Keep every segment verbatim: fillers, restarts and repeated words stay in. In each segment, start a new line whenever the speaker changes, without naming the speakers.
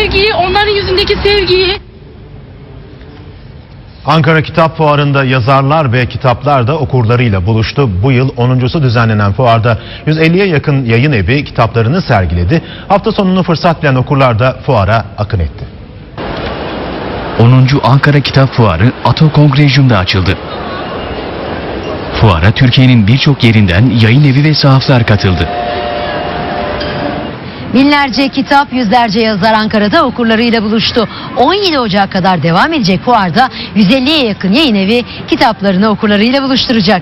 sevgiyi, onların yüzündeki sevgiyi.
Ankara Kitap Fuarı'nda yazarlar ve kitaplar da okurlarıyla buluştu. Bu yıl onuncusu düzenlenen fuarda yüz elliye yakın yayın evi kitaplarını sergiledi. Hafta sonunu fırsat bilen okurlar da fuara akın etti.
onuncu Ankara Kitap Fuarı Ato Kongresyum'da açıldı. Fuara Türkiye'nin birçok yerinden yayın evi ve sahaflar katıldı.
Binlerce kitap, yüzlerce yazar Ankara'da okurlarıyla buluştu. on yedi Ocak kadar devam edecek fuarda yüz elliye yakın yayın evi kitaplarını okurlarıyla buluşturacak.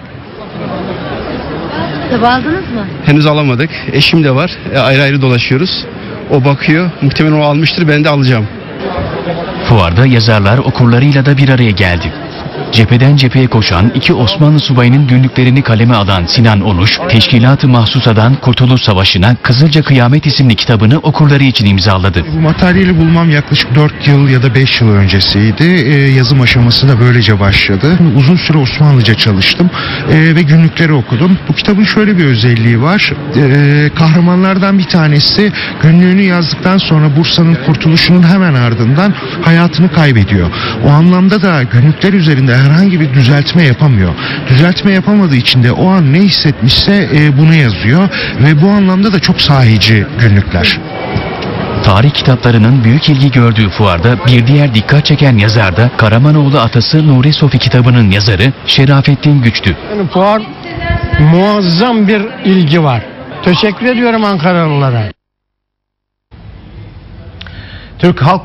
Kitabı aldınız mı?
Henüz alamadık. Eşim de var. E, ayrı ayrı dolaşıyoruz. O bakıyor. Muhtemelen o almıştır. Ben de alacağım.
Fuarda yazarlar okurlarıyla da bir araya geldi. Cepheden cepheye koşan iki Osmanlı subayının günlüklerini kaleme alan Sinan Onuş, Teşkilat-ı Mahsusa'dan Kurtuluş Savaşı'na Kızılca Kıyamet isimli kitabını okurları için imzaladı.
Bu materyali bulmam yaklaşık dört yıl ya da beş yıl öncesiydi. Ee, yazım aşaması da böylece başladı. Uzun süre Osmanlıca çalıştım ee, ve günlükleri okudum. Bu kitabın şöyle bir özelliği var. Ee, kahramanlardan bir tanesi günlüğünü yazdıktan sonra Bursa'nın kurtuluşunun hemen ardından hayatını kaybediyor. O anlamda da günlükler üzerinde herhangi bir düzeltme yapamıyor. Düzeltme yapamadığı için de o an ne hissetmişse e, bunu yazıyor ve bu anlamda da çok sahici günlükler.
Tarih kitaplarının büyük ilgi gördüğü fuarda bir diğer dikkat çeken yazar da Karamanoğlu atası Nuri Sofi kitabının yazarı Şerafettin Güç'tü.
Yani fuar muazzam bir ilgi var. Teşekkür ediyorum Ankaralılara.
Türk Halk